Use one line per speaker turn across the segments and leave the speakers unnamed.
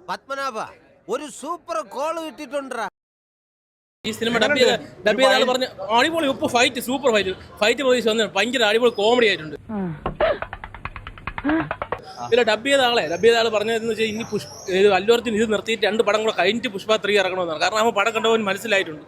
പത്മനാഭ ഒരു super call കിട്ടിട്ടുണ്ടാ.
ഈ cinema dub ചെയ്ത ആൾ പറഞ്ഞ അടിപൊളി ഉപ്പ് ഫൈറ്റ്, സൂപ്പർ ഫൈറ്റ് പ്രതീക്ഷ വന്നു. ഭയങ്കര അടിപൊളി കോമഡി ആയിട്ടുണ്ട്. ഇതിൽ ഡബ് ചെയ്ത ആള് പറഞ്ഞതെന്ന് വെച്ചാൽ ഇനി അല്ലു അർജുൻ ഇത് നിർത്തിയിട്ട് 2 പടം കൂടെ കഴിഞ്ഞിട്ട് പുഷ്പ 3 ഇറങ്ങണമെന്നാണ്. കാരണം ആ പടം കണ്ടവൻ മനസ്സിലായിട്ടുണ്ട്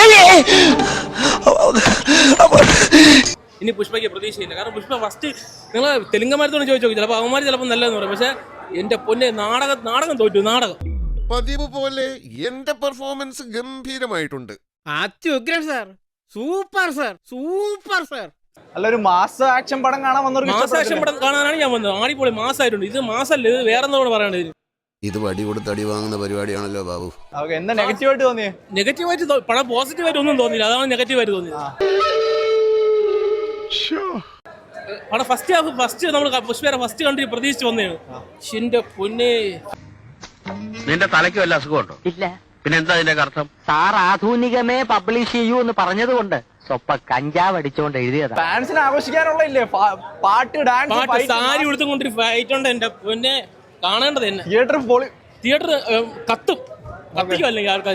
ഇനി പുഷ്പയ്ക്ക് പ്രതീക്ഷയില്ല. കാരണം പുഷ്പ ഫസ്റ്റ് നിങ്ങൾ തെലുങ്കന്മാരത്തോട് ചോദിച്ചു നോക്കി, ചിലപ്പോൾ അവന്മാർ ചിലപ്പോൾ നല്ലതെന്ന് പറയും. പക്ഷെ എന്റെ പൊന്നെ നാടകം തോറ്റു. നാടകം
പതിവ് പോലെ എന്റെ പെർഫോമൻസ് ഗംഭീരമായിട്ടുണ്ട്.
അത്യുഗ്രൻ sir, super sir, super sir.
അല്ല, ഒരു മാസ ആക്ഷൻ പടം കാണാൻ വന്നവർക്ക്
മാസ ആക്ഷൻ പടം കാണാനാണ് ഞാൻ വന്നത്. അടിപൊളി മാസമായിട്ടുണ്ട്. ഇത് മാസമല്ല, ഇത് വേറെ എന്താ പറയേണ്ടത്.
ഇത് വടി കൊടുത്ത് അടി വാങ്ങുന്ന പരിപാടിയാണല്ലോ ബാബു.
എന്താ നെഗറ്റീവായിട്ട് തോന്നിയേ?
നെഗറ്റീവായിട്ട് പടം പോസിറ്റീവായിട്ട് ഒന്നും തോന്നിയില്ല. അതാണ് നെഗറ്റീവായിട്ട് തോന്നിയത്. അവിടെ ഫസ്റ്റ് നമ്മൾ പുഷ്പേരെ ഫസ്റ്റ് കണ്ടി പ്രതീക്ഷിച്ച് വന്നതാണ്. എന്റെ പൊന്നെ,
നിന്റെ തലയ്ക്ക് വല്ല അസുഖമുണ്ടോ?
ഇല്ല.
പിന്നെ എന്താ അതിന്റെ അർത്ഥം?
സാർ ആധുനികമേ പബ്ലിഷ് ചെയ്യൂ എന്ന് പറഞ്ഞതുകൊണ്ട് സ്വപ്പ കഞ്ചാവ് അടിച്ചുകൊണ്ട് എഴുതിയതാ.
ഫാൻസിനെ ആഘോഷിക്കാനുള്ള ഇല്ലേ പാട്ട്, ഡാൻസ്,
സാരി ഉടുത്തുകൊണ്ടൊരു ഫൈറ്റ് ഉണ്ട്. എന്റെ പൊന്നെ, കാണേണ്ടത് തന്നെ.
തിയേറ്റർ
കത്തിക്കും അല്ലെങ്കിൽ ആൾക്കാർ.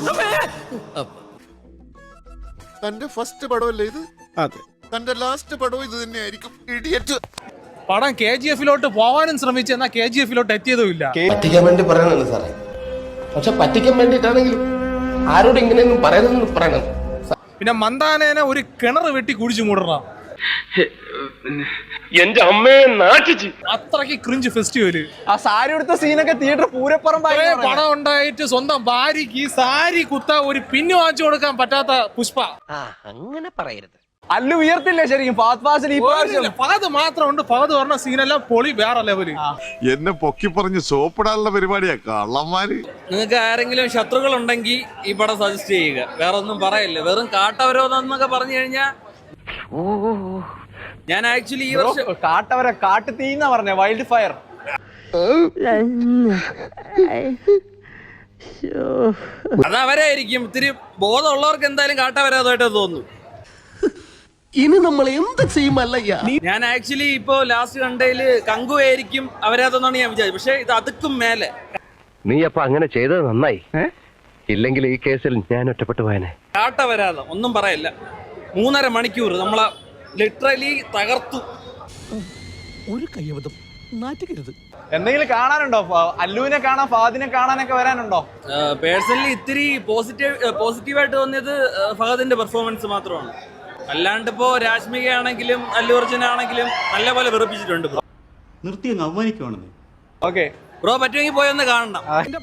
തന്റെ ഫസ്റ്റ് പടമല്ലേ ഇത്?
അതെ.
തന്റെ ലാസ്റ്റ് പടവും ഇത് തന്നെയായിരിക്കും. ഇഡിയറ്റ്.
പടം KGF-ലോട്ട് പോവാനും ശ്രമിച്ചു, എന്നാൽ KGF-ലോട്ട് എത്തിയതുമില്ല.
പറ്റിക്കാൻ വേണ്ടി പറയണല്ലോ സാറേ. പക്ഷെ പറ്റിക്കാൻ വേണ്ടിയിട്ടാണെങ്കിലും ആരോട് ഇങ്ങനെയൊന്നും പറയണമെന്ന് പറയണം.
പിന്നെ മന്ദാനേനെ ഒരു കിണർ വെട്ടി കുടിച്ചു മൂടണം.
എന്റെ അമ്മയെ നാട്ടിച്ച്
അത്രയ്ക്ക് ക്രിഞ്ച് ഫെസ്റ്റിവല്.
ആ സാരി എടുത്ത സീനൊക്കെ തിയേറ്റർ പൂരപ്പുറമ്പായി.
പടം ഉണ്ടായിട്ട് സ്വന്തം ഭാര്യക്ക് ഈ സാരി കുത്ത ഒരു പിന്നു വാങ്ങിച്ചു കൊടുക്കാൻ പറ്റാത്ത പുഷ്പ.
അങ്ങനെ പറയരുത്.
അല്ലു ഉയർത്തില്ലേ ശരിക്കും ഫഹദ് ഫാസിൽ ഈ പ്രാവശ്യം?
ഫഹദ് മാത്രമുണ്ട്. ഫഹദ് പറഞ്ഞ സീനെല്ലാം പൊളി, വേറെ ലെവല്.
എന്നെ പൊക്കി പറഞ്ഞ് സോപ്പിടാനുള്ള പരിപാടിയാ കള്ളന്മാര്.
നിങ്ങൾക്ക് ആരെങ്കിലും ശത്രുക്കൾ ഉണ്ടെങ്കിൽ ഈ പടം സജസ്റ്റ് ചെയ്യുക. വേറെ ഒന്നും പറയില്ല. വെറും കാട്ടവരോധം എന്നൊക്കെ പറഞ്ഞു കഴിഞ്ഞാൽ ഞാൻ ആക്ച്വലി ഈ വർഷം
കാട്ടു തീന്നാ പറഞ്ഞ വൈൽഡ് ഫയർ.
അത് അവരായിരിക്കും. ഇത്തിരി ബോധമുള്ളവർക്ക് എന്തായാലും കാട്ടവരാതായിട്ട് തോന്നുന്നു.
ഇനി നമ്മൾ എന്ത് ചെയ്യുമല്ലയ്യ.
ഞാൻ ആക്ച്വലി ഇപ്പോ ലാസ്റ്റ് കണ്ടതില് കങ്കുവായിരിക്കും അവരാതെന്നാണ് ഞാൻ വിചാരിച്ചത്. പക്ഷെ ഇത് അതുക്കും മേലെ.
നീ അപ്പൊ അങ്ങനെ ചെയ്തത് നന്നായി. ഇല്ലെങ്കിൽ ഈ കേസിൽ ഞാൻ ഒറ്റപ്പെട്ടു പോയനെ.
കാട്ടവരാതം ഒന്നും പറയില്ല. 3.5 മണിക്കൂർ നമ്മളെ ലിറ്ററലി തകർത്തു.
ഒരു കയ്യബദ്ധം നാറ്റുകരുത്.
എന്തെങ്കിലും കാണാനുണ്ടോ? അല്ലുവിനെ കാണാൻ, ഫഹദിനെ കാണാനൊക്കെ വരാനുണ്ടോ?
പേഴ്സണലി ഇത്തിരി പോസിറ്റീവായിട്ട് തോന്നിയത് ഫഹദിന്റെ പെർഫോമൻസ് മാത്രമാണ്. അല്ലാണ്ട് ഇപ്പോ രാഷ്മിക ആണെങ്കിലും അല്ലു അർജുൻ ആണെങ്കിലും നല്ലപോലെ വെറുപ്പിച്ചിട്ടുണ്ട്.
നിർത്തി അങ്ങ് അവമാനിക്കുവാണെന്ന്.
ഓക്കെ
ബ്രോ, പറ്റുമെങ്കിൽ പോയൊന്ന് കാണണം.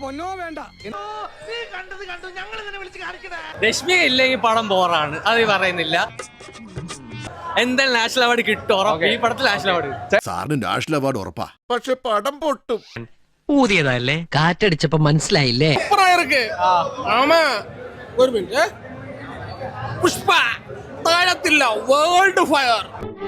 രശ്മിക ഇല്ലെങ്കിൽ പടം ബോറാണ്, അത് പറയുന്നില്ല. എന്തായാലും നാഷണൽ അവാർഡ് കിട്ടും. ഈ പടത്തിൽ നാഷണൽ അവാർഡ്.
സാറിന് നാഷണൽ അവാർഡ് ഉറപ്പാ. പക്ഷെ പടം പൊട്ടും.
ഊതിയതല്ലേ, കാറ്റടിച്ചപ്പോ മനസ്സിലായില്ലേ.
ഒരു മിനിറ്റ്. പുഷ്പ താഴത്തില്ല, വേൾഡ് ഫയർ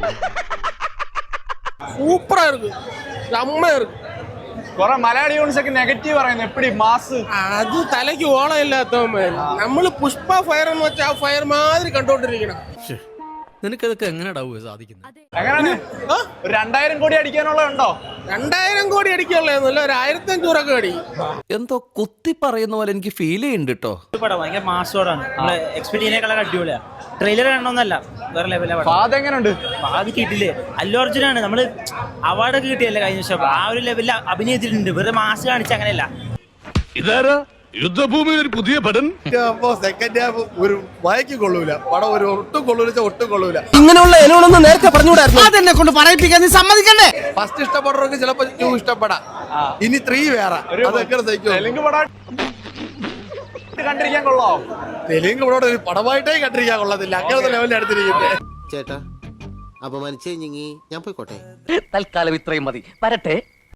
സൂപ്പറാ ഇருக்கு. അമ്മ ഇருக்கு.
കുറെ മലയാളി യൂണിറ്റ്സ് ഒക്കെ നെഗറ്റീവ് പറയുന്നു. എപ്പടി മാസ്
അത് തലയ്ക്ക് ഓളമില്ലാത്തവന്മാർ. നമ്മള് പുഷ്പ ഫയർ എന്ന് വെച്ചാൽ ആ ഫയർ മാതിരി കണ്ടോണ്ടിരിക്കണം.
നിനക്കതൊക്കെ എങ്ങനെയാ സാധിക്കുന്നത്?
എങ്ങനെയാണ്? 2000 കോടി അടിക്കാനുള്ളതുണ്ടോ?
2000 കോടി അടിക്കാനുള്ളതൊന്നുമില്ല, ഒരു 1500 അടി.
എന്തോ കുത്തി പറയുന്ന പോലെ എനിക്ക് ഫീൽ ചെയ്യുന്നുണ്ട് കേട്ടോ.
ഭയങ്കര മാസോടാണ്. എക്സ്പെക്ട് ചെയ്യുന്നേക്കാളൊക്കെ അടിപൊളിയാ. ട്രെയിലർ കാണണമെന്നല്ല, വേറെ ലെവലാണ്.
ഫഹദ് എങ്ങനെയുണ്ട്?
ഫഹദ് കിട്ടില്ലേ. അല്ലു അർജുനാണ്. നമ്മള് അവാർഡൊക്കെ കിട്ടിയല്ലേ കഴിഞ്ഞ വർഷം. ആ ഒരു ലെവലിൽ അഭിനയിച്ചിട്ടുണ്ട്. വെറുതെ മാസ് കാണിച്ച അങ്ങനെയല്ല.
ഇതാരാ യുദ്ധഭൂമിയിൽ ഒരു പുതിയ പടം?
സെക്കൻഡ് ഹാഫ് ഒരു വായിക്ക് കൊള്ളൂല. പടം ഒരു ഒട്ടും കൊള്ളൂല.
ഇങ്ങനെയുള്ള ഇലകളൊന്നും നേരത്തെ പറഞ്ഞുകൂടായിരുന്നു.
അതെന്നെ കൊണ്ട് പറയിപ്പിക്കാൻ നീ സമ്മതിക്കണ്ടേ?
ഫസ്റ്റ് ഇഷ്ടപ്പെടുന്നവർക്ക് ചിലപ്പോ 2 ഇഷ്ടപ്പെടാം. ഇനി 3 വേറെ. അതൊക്കെ
തെലുങ്ക് പടം കണ്ടിരിക്കാൻ കൊള്ളോ?
തെലുങ്ക് പടം ഒരു പടമായിട്ടേ കണ്ടിരിക്കാൻ കൊള്ളത്തില്ല. അങ്ങനത്തെ ലെവലിൽ എടുത്തിരിക്കുന്നത്.
ചേട്ടാ, അപമാനിച്ചേ ഞാൻ പോയിക്കോട്ടെ.
തൽക്കാലം ഇത്രയും മതി. വരട്ടെ.